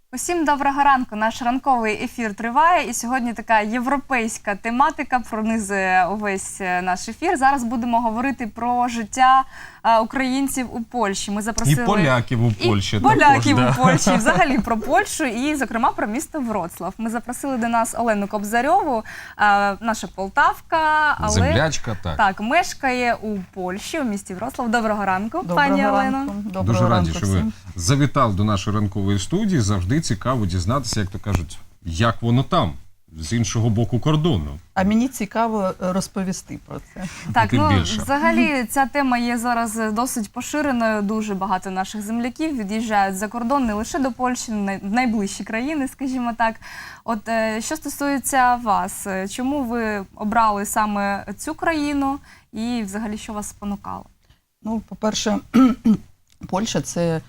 Усім доброго ранку. Наш ранковий ефір триває, і сьогодні така європейська тематика пронизує увесь наш ефір. Зараз будемо говорити про життя українців у Польщі. Ми запросили і поляків у Польщі. І поляків у Польщі, взагалі про Польщу і, зокрема, про місто Вроцлав. Ми запросили до нас Олену Кобзарьову, наша полтавка, але землячка, так, мешкає у Польщі, у місті Вроцлав. Доброго ранку, Доброго пані ранку. Олено. Доброго Дуже раді, ранку що ви всім. завітали до нашої ранкової студії. Завжди цікаво дізнатися, як то кажуть, як воно там, з іншого боку кордону. А мені цікаво розповісти про це. Так, Тим більше. взагалі ця тема є зараз досить поширеною. Дуже багато наших земляків від'їжджають за кордон не лише до Польщі, в найближчі країни, скажімо так. От що стосується вас, чому ви обрали саме цю країну і взагалі що вас спонукало? Ну, по-перше, Польща – це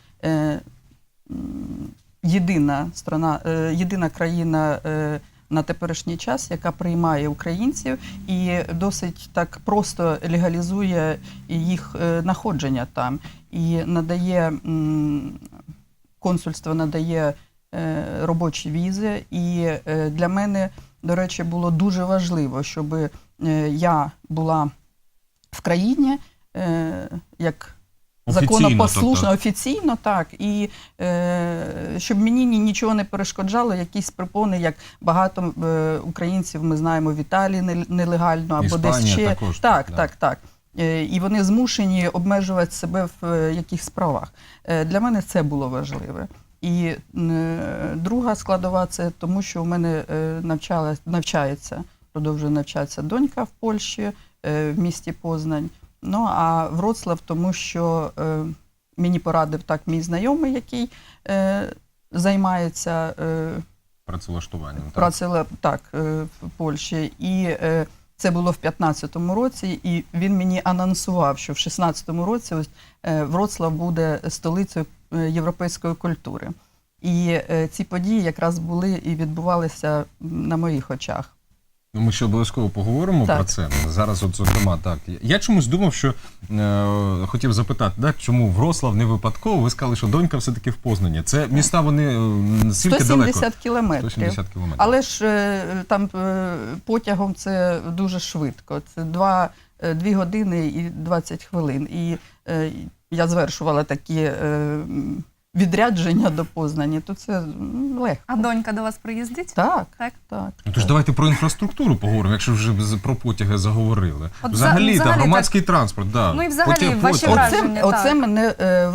єдина країна на теперішній час, яка приймає українців і досить так просто легалізує їх знаходження там. І надає, консульство надає робочі візи. І для мене, до речі, було дуже важливо, щоб я була в країні, як законопослушно, офіційно, так, і щоб мені нічого не перешкоджало, якісь препони, як багато українців, ми знаємо, в Італії нелегально, або Іспанія десь ще. також, Так. І вони змушені обмежувати себе в якихось справах. Для мене це було важливе. І друга складова – це тому, що у мене продовжує навчатися донька в Польщі, в місті Познань. Ну, а Вроцлав, тому що мені порадив так мій знайомий, який займається Працевлаштуванням. в Польщі. І це було в 2015 році, і він мені анонсував, що в 2016 році ось Вроцлав буде столицею європейської культури. І ці події якраз були і відбувалися на моїх очах. Ну, ми ще обов'язково поговоримо про це. Зараз, от, зокрема, так. Я чомусь думав, що хотів запитати, так, чому Вроцлав не випадково? Ви сказали, що донька все-таки в Познані. Це міста, вони скільки далеко? 170 кілометрів. 170 кілометрів. Але ж там потягом це дуже швидко. Це 2 години і 20 хвилин. І я звершувала такі відрядження до Познані, то це легко. А донька до вас приїздить? Так. Ну, тож давайте про інфраструктуру поговоримо, якщо вже про потяги заговорили. От взагалі, громадський транспорт, да. Ну і взагалі ваші враження. Оце мене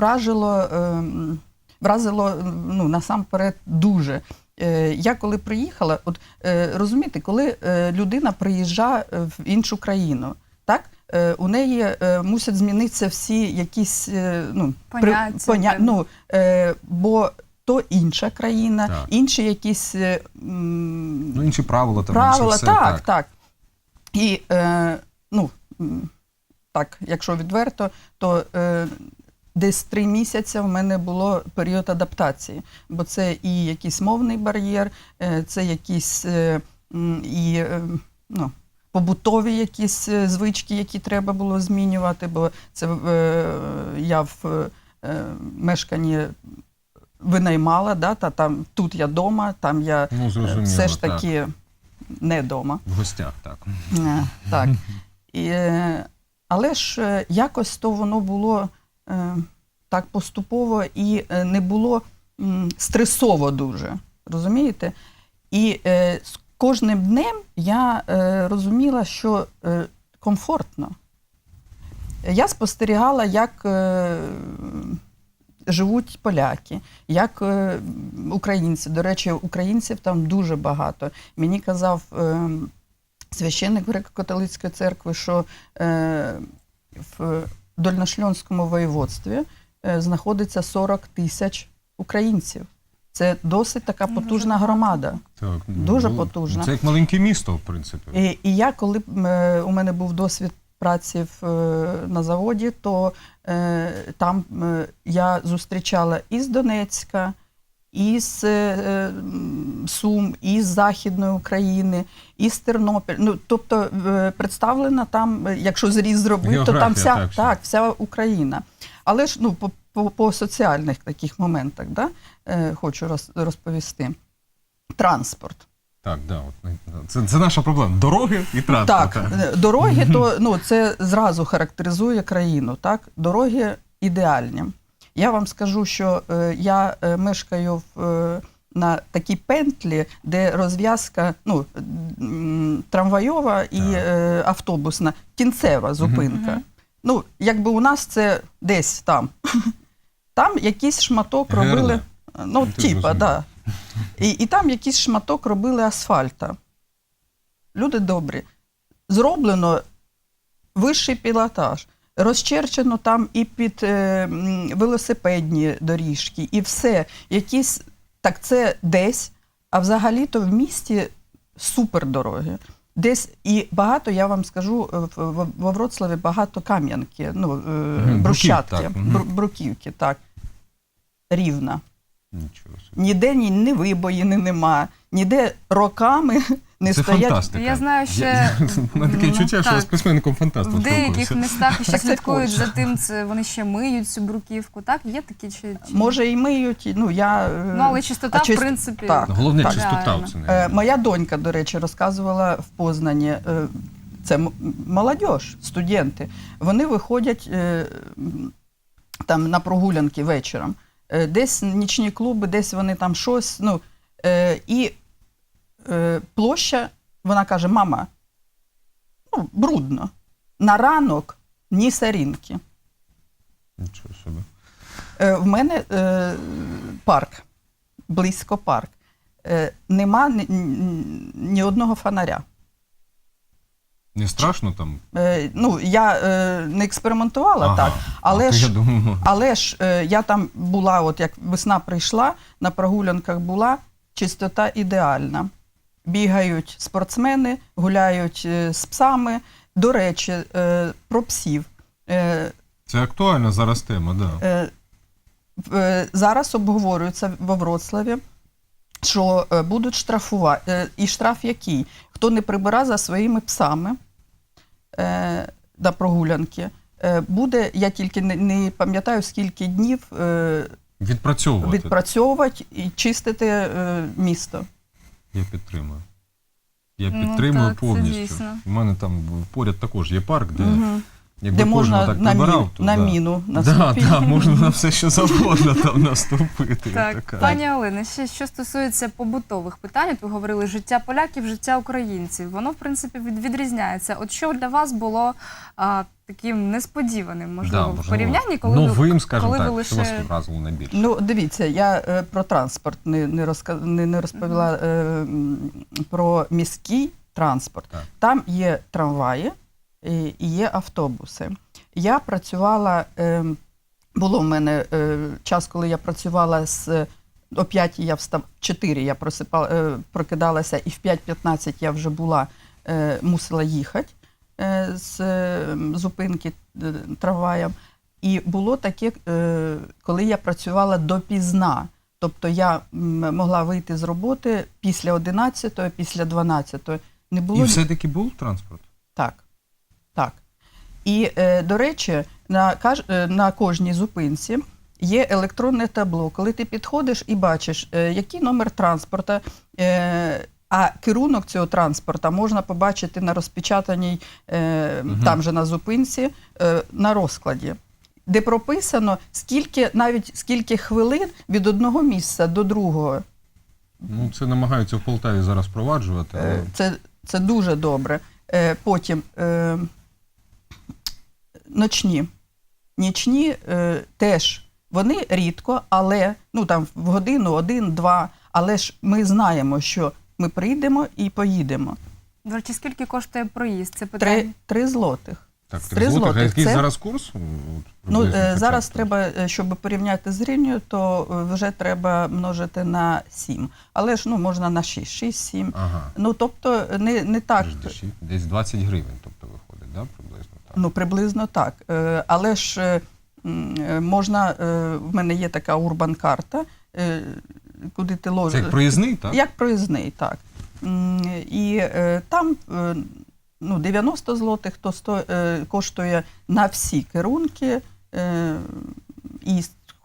вразило насамперед дуже. Я коли приїхала, от розумієте, коли людина приїжджає в іншу країну, так? У неї мусять змінитися всі якісь поняття. Бо то інша країна, так. Інші якісь інші правила, там, інше все, так. І так, якщо відверто, то десь 3 місяці в мене було період адаптації, бо це і якийсь мовний бар'єр, це якісь побутові якісь звички, які треба було змінювати, бо це я в мешканні винаймала, там тут я вдома, там я все ж таки не вдома. В гостях, так. Так. Але ж якось то воно було так поступово і не було стресово дуже, розумієте? І з кожним днем я розуміла, що комфортно. Я спостерігала, як живуть поляки, як українці. До речі, українців там дуже багато. Мені казав священник Греко-католицької церкви, що в Дольношльонському воєводстві знаходиться 40 тисяч українців. Це досить така потужна громада. Так, дуже потужна. Це як маленьке місто, в принципі. І я, коли у мене був досвід праці на заводі, то там я зустрічала із Донецька, із Сум, із Західної України, із Тернопіль. Ну, тобто представлена там, якщо зріз зробити, то там вся Україна. Але ж, по соціальних таких моментах, да, хочу розповісти. Транспорт. Так, да, це наша проблема. Дороги і транспорт. Так, дороги, то це зразу характеризує країну. Так? Дороги ідеальні. Я вам скажу, що я мешкаю на такій пентлі, де розв'язка трамвайова і автобусна, кінцева зупинка. Якби у нас це десь там. Там якийсь шматок робили. Да. І там якийсь шматок робили асфальта. Люди добрі. Зроблено вищий пілотаж. Розчерчено там і під велосипедні доріжки, і все. Якісь, так це десь, а взагалі-то в місті супердороги. Десь і багато, я вам скажу, во Вроцлаві багато кам'янки, брусчатки, бруківки, так. Рівна. Нічого собі. Ніде ні вибоїни нема, ніде роками не це стоять. Фантастика. Я знаю, що мене таке відчуття, що я з письменником-фантастом в деяких спілкуюся. містах ще Так це слідкують Польща. за тим, вони ще миють цю бруківку, так? Є такі чи... Може і миють, але чистота, в принципі... Так. Головне, Так. чистота. Реально. Це не... Моя донька, до речі, розказувала в Познані, це молодь, студенти, вони виходять там на прогулянки вечором, десь нічні клуби, десь вони там щось, і площа, вона каже, мама, брудно, на ранок ні сорінки. Нічого собі. В мене парк, близько парк. Нема ні одного фонаря. Не страшно там? Я не експериментувала так, але ж я там була, от як весна прийшла, на прогулянках була, чистота ідеальна. Бігають спортсмени, гуляють з псами. До речі, про псів. Це актуальна зараз тема, так. Зараз обговорюється во Вроцлаві, що будуть штрафувати. І штраф який? Хто не прибира за своїми псами на прогулянки, буде, я тільки не пам'ятаю, скільки днів відпрацьовувати і чистити місто. Я підтримую. Я підтримую так, повністю. У мене там поряд також є парк, де можна так на прибирав, міну наступити. Так, можна на все, що завгодно там наступити. Так, пані Олено, що стосується побутових питань, от ви говорили життя поляків, життя українців. Воно, в принципі, відрізняється. От що для вас було таким несподіваним, можливо, в порівнянні, коли новим, скажімо коли ви так, лише... що вас вразило найбільше? Дивіться, я про транспорт не розповіла, про міський транспорт. Так. Там є трамваї, і є автобуси. Я працювала, було в мене час, коли я працювала о 5 я встав, 4 я прокидалася, і в 5:15 я вже мусила їхати з зупинки трамваєм. І було таке, коли я працювала допізна. Тобто я могла вийти з роботи після 11-ї, після 12-ї. І все-таки був транспорт? Так. Так. І, до речі, на кожній зупинці є електронне табло. Коли ти підходиш і бачиш, який номер транспорта, а керунок цього транспорта можна побачити на розпечатаній, там же на зупинці, на розкладі, де прописано, скільки хвилин від одного місця до другого. Це намагаються в Полтаві зараз впроваджувати. Але... Це дуже добре. Потім нічні теж, вони рідко, але там в годину, 1-2, але ж ми знаємо, що ми прийдемо і поїдемо. До речі, скільки коштує проїзд? Це питання? 3 злотих. Так, 3 злотих. А який зараз курс? Зараз треба, щоб порівняти з гривнею, то вже треба множити на 7. Але ж можна на 6, 6-7. Ага. Тобто не так. Десь 20 гривень, тобто виходить, да, приблизно так? Приблизно так. Але ж можна, в мене є така урбан-карта, куди ти ложиш. Це як проїзний, так? Як проїзний, так. І там 90 злотих, то коштує на всі керунки, і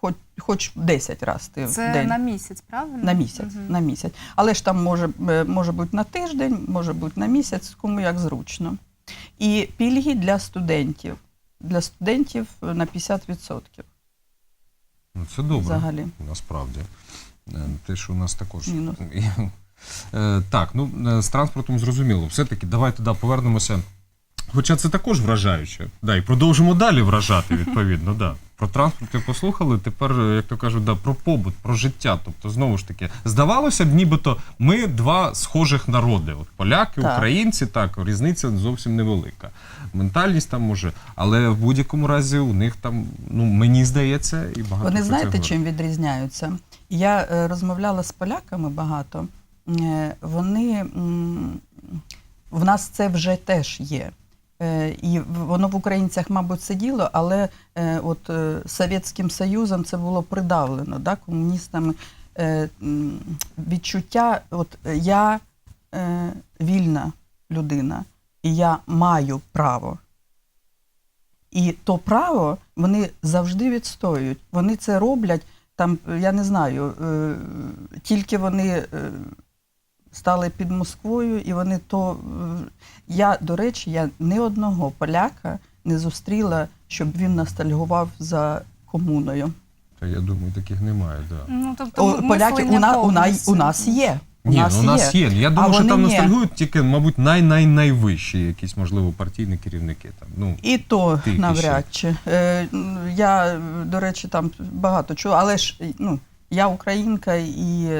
хоч 10 разів ти в Це день. на місяць, правильно? На місяць, Мгм. на місяць. Але ж там може бути на тиждень, може бути на місяць, кому як зручно. І пільги для студентів. Для студентів на 50% Ну, це добре, взагалі. насправді. Те, що у нас також. Мінус. Так, ну з транспортом зрозуміло. Все-таки давайте повернемося. Хоча це також вражаюче. Да, і продовжимо далі вражати, відповідно. Да. Про транспорт ви послухали, тепер, як то кажуть, про побут, про життя. Тобто, знову ж таки, здавалося б, нібито ми два схожих народи. От поляки, Так. українці, так, різниця зовсім невелика. Ментальність там може, але в будь-якому разі у них там, ну, мені здається, і багато. Вони про це знаєте, говорять. чим відрізняються? Я розмовляла з поляками багато. Вони в нас це вже теж є. І воно в українцях, мабуть, сиділо, але от Совєтським Союзом це було придавлено, да, комуністами. Відчуття, от я вільна людина, і я маю право. І то право вони завжди відстоюють. Вони це роблять, там, я не знаю, тільки вони стали під Москвою, і вони то... Я, до речі, я ні одного поляка не зустріла, щоб він ностальгував за комуною. Та я думаю, таких немає, так. Да. Ну, тобто, Поляки мислення у повністю. нас є. Ні, у нас є. Я думаю, що вони там ні. ностальгують тільки, мабуть, найвищі якісь, можливо, партійні керівники. Там. Ну, І то Тільки навряд чи. Я, до речі, там багато чого, але ж ну, я українка, і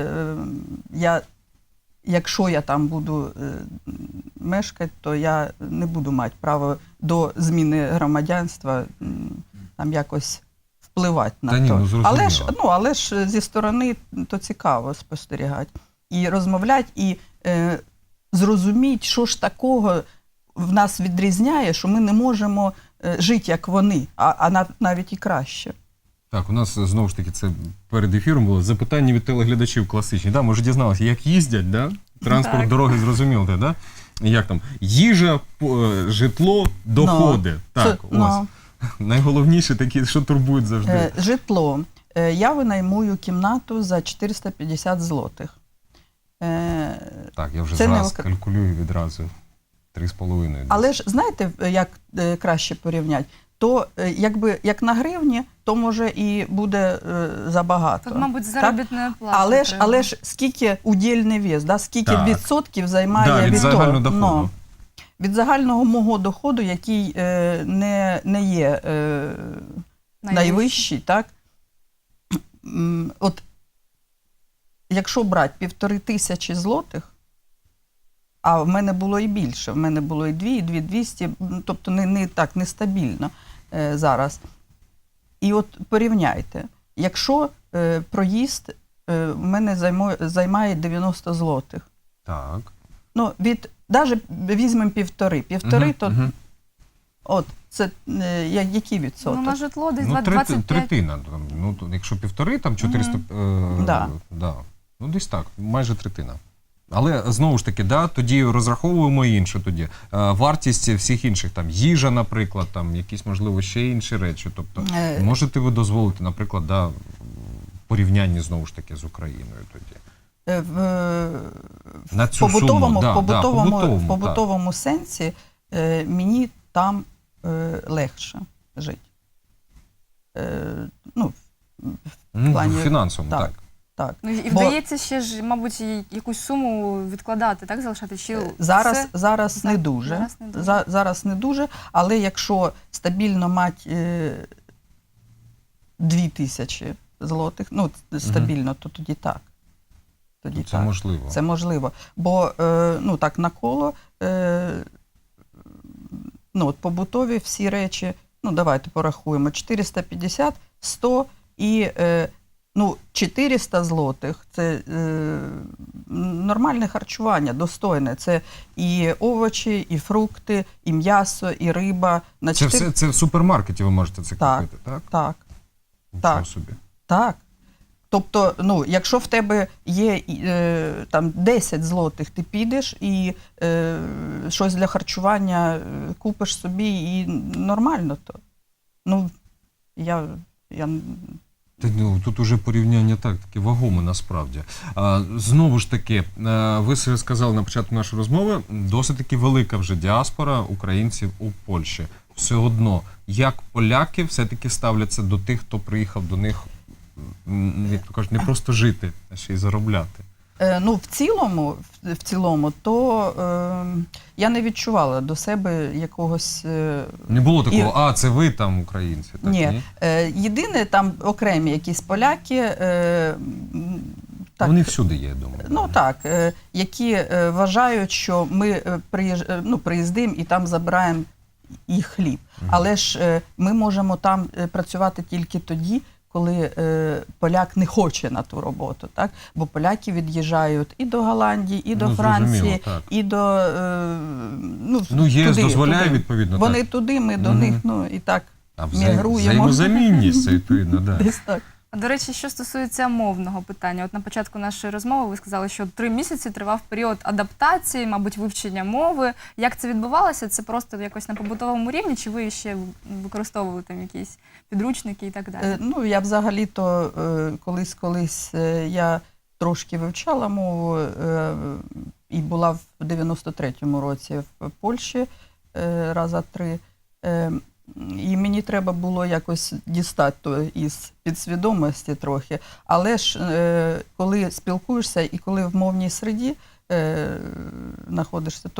якщо я там буду мешкати, то я не буду мати право до зміни громадянства там якось впливати на Та ні, то. ну, зрозуміло. Але ж зі сторони то цікаво спостерігати. І розмовляти, і зрозуміти, що ж такого в нас відрізняє, що ми не можемо жити, як вони, а навіть і краще. Так, у нас знову ж таки це перед ефіром було запитання від телеглядачів класичні. Да? Ми вже дізналися, як їздять, да? Транспорт, Так. дороги, зрозуміло, да? Як там? Їжа, житло, доходи. Так, ось. Найголовніше такі, що турбують завжди. Житло. Я винаймую кімнату за 450 злотих. Так, я вже це зараз не калькулюю відразу. 3,5. десь. Але ж знаєте, як краще порівняти? То якби як на гривні, то може і буде забагато. Тут, мабуть, так? заробітної плати. Але ж скільки удільний вес, да? Скільки Так. відсотків займає Да, від від загального того? доходу. Ну, від загального мого доходу, який не є найвищий, так? От якщо брати 1500 злотих, а в мене було і більше, в мене було і 2, і 2200, тобто не так нестабільно зараз. І от порівняйте, якщо проїзд в мене займає 90 злотих, Так. ну, навіть візьмемо півтори, то от, це який відсоток? Ну, на житло десь Ну, 25. третина. Там, ну, якщо півтори, там 400... Да. Да. Ну, десь так, майже третина. Але, знову ж таки, да, тоді розраховуємо інше тоді. Вартість всіх інших, там, їжа, наприклад, там, якісь, можливо, ще інші речі. Тобто, можете ви дозволити, наприклад, да, в порівнянні, знову ж таки, з Україною тоді? На цю суму, да, в побутовому сенсі мені там легше жити. Ну, плані- в фінансовому, так. Так. Ну, і Бо- вдається ще ж, мабуть, якусь суму відкладати, так, залишати? Чи Зараз все? не дуже. Зараз не дуже. Зараз не дуже, але якщо стабільно мати 2000 злотих, ну, стабільно, то тоді так. Тоді Це так. можливо. Це можливо. Бо, ну, так, навколо, ну, от побутові всі речі, ну, давайте порахуємо, 450, 100 і, ну, 400 злотих – це нормальне харчування, достойне. Це і овочі, і фрукти, і м'ясо, і риба. На Це все це в супермаркеті ви можете це Так. купити, так? Так, Нічого так. собі. так. Тобто, ну, якщо в тебе є там 10 злотих, ти підеш і щось для харчування купиш собі, і нормально то. Ну, я Тут уже порівняння таке вагоме насправді. Знову ж таки, ви сказали на початку нашої розмови, досить таки велика вже діаспора українців у Польщі. Все одно, як поляки все-таки ставляться до тих, хто приїхав до них, як то кажуть, не просто жити, а ще й заробляти? Ну, в цілому, то я не відчувала до себе якогось... Не було такого, це ви там українці? Так, ні. Єдине, там окремі якісь поляки... Так, вони всюди є, я думаю. Ну так, які вважають, що ми приїздимо і там забираємо їх хліб. Але ж ми можемо там працювати тільки тоді, коли поляк не хоче на ту роботу, так? Бо поляки від'їжджають і до Голландії, і до Франції, і до ЄС туди, дозволяє, туди. відповідно. Вони так. туди, ми до них, і так мігруємо. Взаємозамінність, це відповідно, так. Десь так. До речі, що стосується мовного питання, от на початку нашої розмови ви сказали, що 3 місяці тривав період адаптації, мабуть, вивчення мови. Як це відбувалося? Це просто якось на побутовому рівні, чи ви ще використовували там якісь підручники і так далі? Ну, я взагалі-то колись я трошки вивчала мову і була в 93-му році в Польщі раза 3. І мені треба було якось дістати то із підсвідомості трохи. Але ж, коли спілкуєшся і коли в мовній середі знаходишся,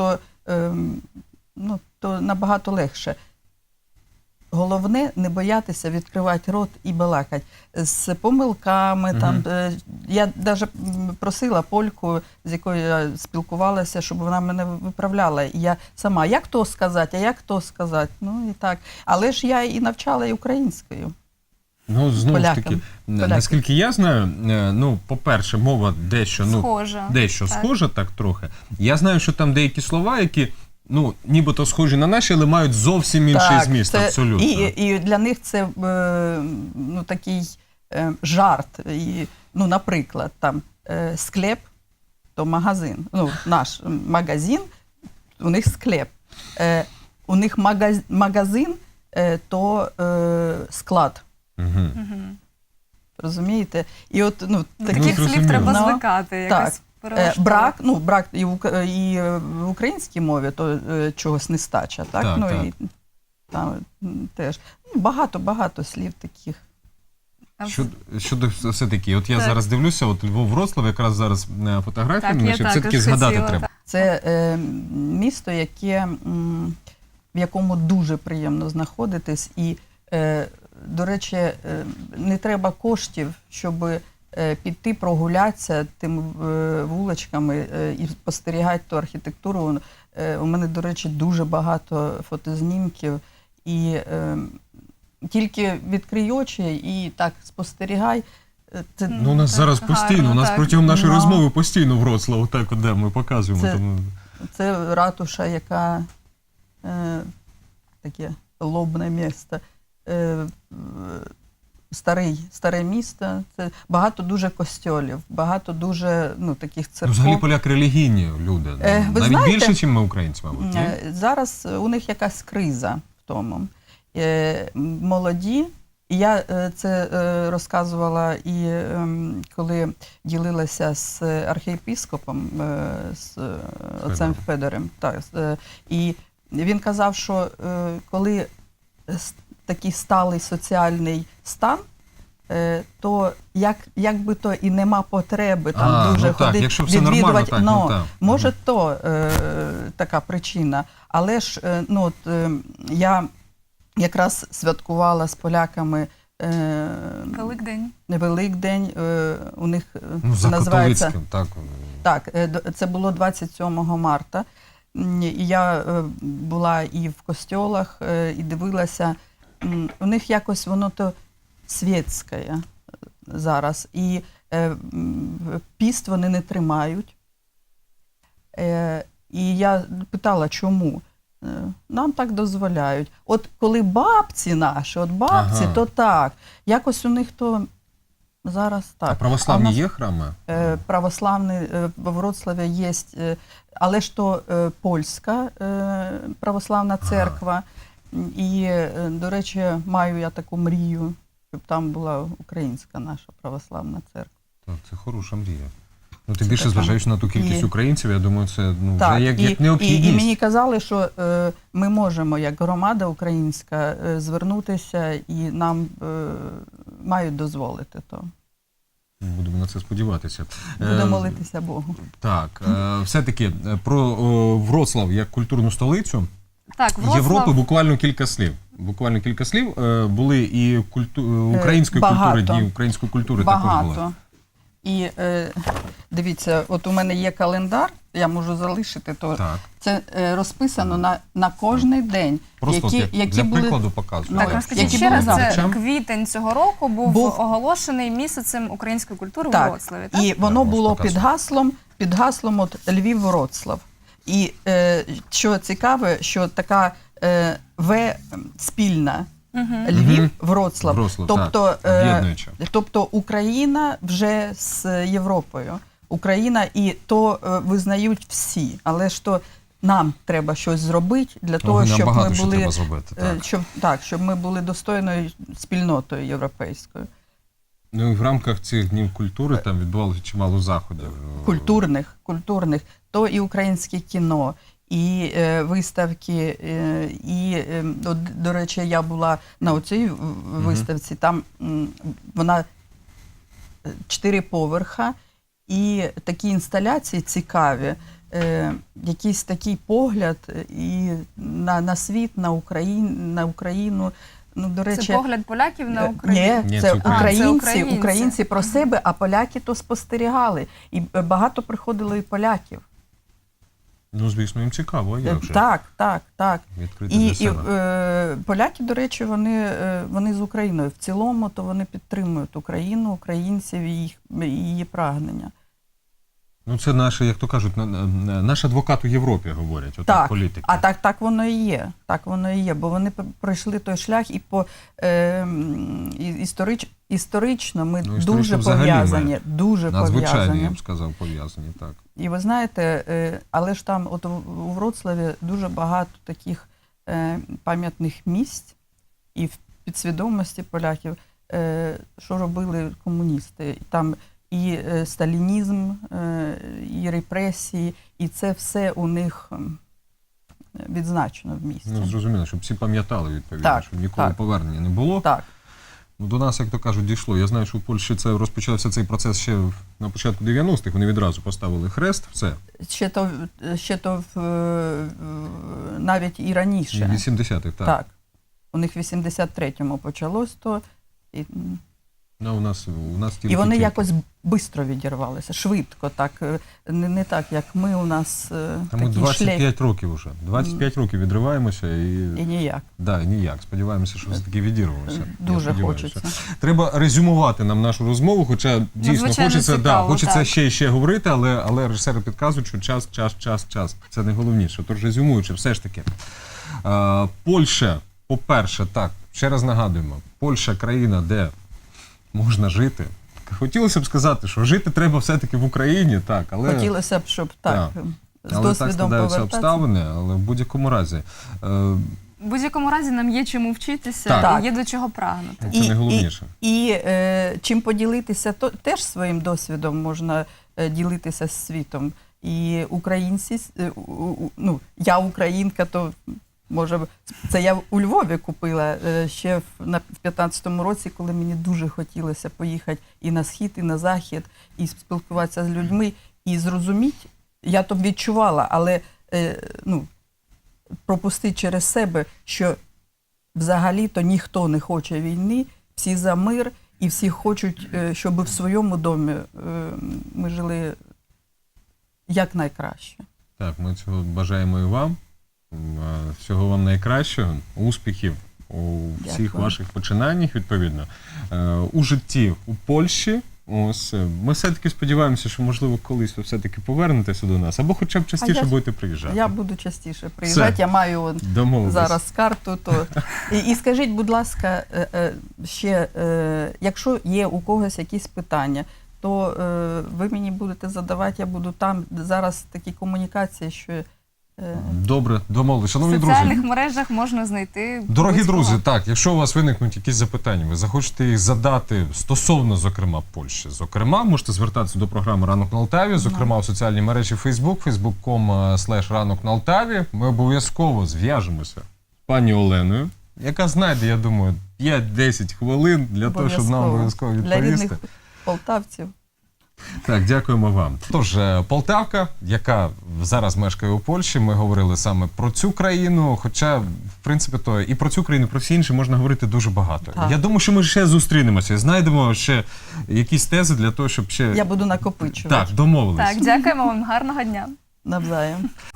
то набагато легше. Головне не боятися відкривати рот і балакати. З помилками. Там, я навіть просила польку, з якою я спілкувалася, щоб вона мене виправляла. І я сама, як то сказати, а як то сказати. Ну і так. Але ж я і навчала і українською. Ну, знову ж таки, наскільки я знаю, по-перше, мова дещо схожа, так трохи. Я знаю, що там деякі слова, які нібито схожі на наші, але мають зовсім інший зміст, абсолютно. І для них це такий жарт. Наприклад, там склеп, то магазин. Наш магазин, у них склеп. У них магазин, то склад. Розумієте? І от, таких слів треба звикати якось. Брак і в українській мові, то чогось нестача, так? Так. І там теж багато слів таких. Щодо все-таки, от я зараз дивлюся, от Львов-Вроцлав, якраз зараз фотографії, щоб все-таки згадати треба. Це місто, в якому дуже приємно знаходитись, і, до речі, не треба коштів, щоб піти прогулятися тими вуличками і спостерігати ту архітектуру. У мене, до речі, дуже багато фотознімків. І тільки відкрий очі і так спостерігай. У нас зараз постійно, у нас протягом нашої розмови постійно Вроцлав, так, де ми показуємо. Це ратуша, яка таке лобне місце. Старе місто, це багато дуже костьолів, багато дуже таких церков. Взагалі поляки релігійні люди, навіть більше, ніж ми українці, мабуть. Зараз у них якась криза в тому. Молоді, і я це розказувала і коли ділилася з архієпископом, з отцем Федорем. І він казав, що коли такий сталий соціальний стан, то як би то і нема потреби там дуже ходити, відвідувати. Може то така причина. Але ж я якраз святкувала з поляками Великдень. У них називається... Так, це було 27 марта. І я була і в костьолах, і дивилася. У них якось воно то світське зараз. І піст вони не тримають. І я питала, чому? Нам так дозволяють. От коли бабці наші, то так. Якось у них то зараз так. А православні є храми? Православні в Вроцлаві є, але ж то польська православна церква. І, до речі, маю я таку мрію щоб там була українська наша православна церква. Так, це хороша мрія. Ну, тим Це більше, така. зважаючи на ту кількість І- українців, я думаю, це Так, вже як необхідність. і мені казали, що ми можемо, як громада українська, звернутися і нам мають дозволити то. Будемо на це сподіватися. Будемо молитися Богу. Так, все-таки про Вроцлав як культурну столицю Так, Вроцлав, Європи буквально кілька слів. Буквально кілька слів. Були і української багато. культури, дні української культури також були. Багато. І дивіться, от у мене є календар, я можу залишити, то Так. це розписано на кожний день, Просто от які для були. прикладу показую. так, Ну, розкажіть які ще раз, були це завтра. квітень цього року був Був- оголошений місяцем української культури у Так, Вроцлаві, так? і воно Так, було можеш під гаслом от Львів-Вроцлав. І що цікаве, що така спільна Львів-Вроцлав. Вроцлав, Тобто, так, об'єднуюча. тобто Україна вже з Європою. Україна і то визнають всі, але ж то нам треба щось зробити для того, щоб багато ми що були треба зробити. Так. щоб ми були достойною спільнотою європейською. Ну і в рамках цих днів культури там відбувалося чимало заходів. Культурних, то і українське кіно, і виставки, і, от, до речі, я була на оцій виставці, там вона 4 поверха, і такі інсталяції цікаві, якийсь такий погляд і на світ, на Україну. Ну, до речі, Це погляд поляків на Україну? Ні, це це українці, українці. українці про себе, а поляки то спостерігали. І багато приходило і поляків. Ну, звісно, їм цікаво, а як же? Так. Відкрити І для себе. поляки, до речі, вони з Україною. В цілому, то вони підтримують Україну, українців і її прагнення. Ну, це наше, як то кажуть, наш адвокат у Європі, говорять, отак, Так, політики. а так воно і є. Так воно і є, бо вони пройшли той шлях і історично ми Ну, історично дуже взагалі пов'язані. Дуже Надзвичайно, пов'язані. я б сказав, пов'язані, так. І ви знаєте, але ж там от у Вроцлаві дуже багато таких пам'ятних місць і в підсвідомості поляків, що робили комуністи. Там і сталінізм, і репресії, і це все у них відзначено в місті. Ну, зрозуміло, щоб всі пам'ятали, відповідно, Так, щоб ніколи так. повернення не було. Так. Ну, до нас, як то кажуть, дійшло. Я знаю, що в Польщі це розпочався цей процес ще на початку 90-х. Вони відразу поставили хрест, все. Ще то навіть і раніше. 80-х, так. Так. У них в 83-му почалось то. Ну, у нас тільки... І вони тільки. якось швидко відірвалися, швидко, так, не так, як ми, у нас Та ми такий 25 шлейф років вже. 25 років відриваємося і ніяк. да, ніяк. Сподіваємося, що все-таки відірвемося. Я Дуже сподіваюся. хочеться. Треба резюмувати нам нашу розмову, хоча дійсно Звичайно, хочеться, цікаво, хочеться так. ще і ще говорити, але режисери підказують, що час. Це найголовніше. Тож резюмуючи, все ж таки. Польща, по-перше, так, ще раз нагадуємо, Польща – країна, де можна жити. Хотілося б сказати, що жити треба все-таки в Україні, так, але... Хотілося б, щоб так, з Але так досвідом складаються повертатися. обставини, але в будь-якому разі. В будь-якому разі нам є чому вчитися, Так. і є до чого прагнути. Це найголовніше. І чим поділитися, то теж своїм досвідом можна ділитися з світом. І українці, ну, я українка, то може, це я у Львові купила ще в 15-му році, коли мені дуже хотілося поїхати і на схід, і на захід, і спілкуватися з людьми, і зрозуміти, я то відчувала, але ну, пропустити через себе, що взагалі-то ніхто не хоче війни, всі за мир, і всі хочуть, щоб в своєму домі ми жили якнайкраще. Так, ми цього бажаємо і вам. Всього вам найкращого, успіхів у всіх Дякую. ваших починаннях, відповідно. У житті у Польщі. Ось, ми все-таки сподіваємося, що, можливо, колись ви все-таки повернетеся до нас, або хоча б частіше я- будете приїжджати. Я буду частіше приїжджати, Все. я маю Домовились. зараз карту. То... І скажіть, будь ласка, ще, якщо є у когось якісь питання, то ви мені будете задавати, я буду там. Зараз такі комунікації, що Добре, домовились. В Шановні друзі, соціальних мережах можна знайти. дорогі Близького. друзі, так, якщо у вас виникнуть якісь запитання, ви захочете їх задати стосовно, зокрема, Польщі. Зокрема, можете звертатися до програми «Ранок на Алтаві», зокрема, у соціальній мережі Facebook, facebook.com/ранок на Алтаві. Ми обов'язково зв'яжемося з пані Оленою, яка знайде, я думаю, 5-10 хвилин для того, щоб нам обов'язково Для відповісти. рідних полтавців. Так, дякуємо вам. Тож, Полтавка, яка зараз мешкає у Польщі, ми говорили саме про цю країну, хоча, в принципі, то і про цю країну, і про всі інші можна говорити дуже багато. Так. Я думаю, що ми ще зустрінемося і знайдемо ще якісь тези для того, щоб ще... Я буду накопичувати. Так, домовились. Так, дякуємо вам, гарного дня. Навзаєм.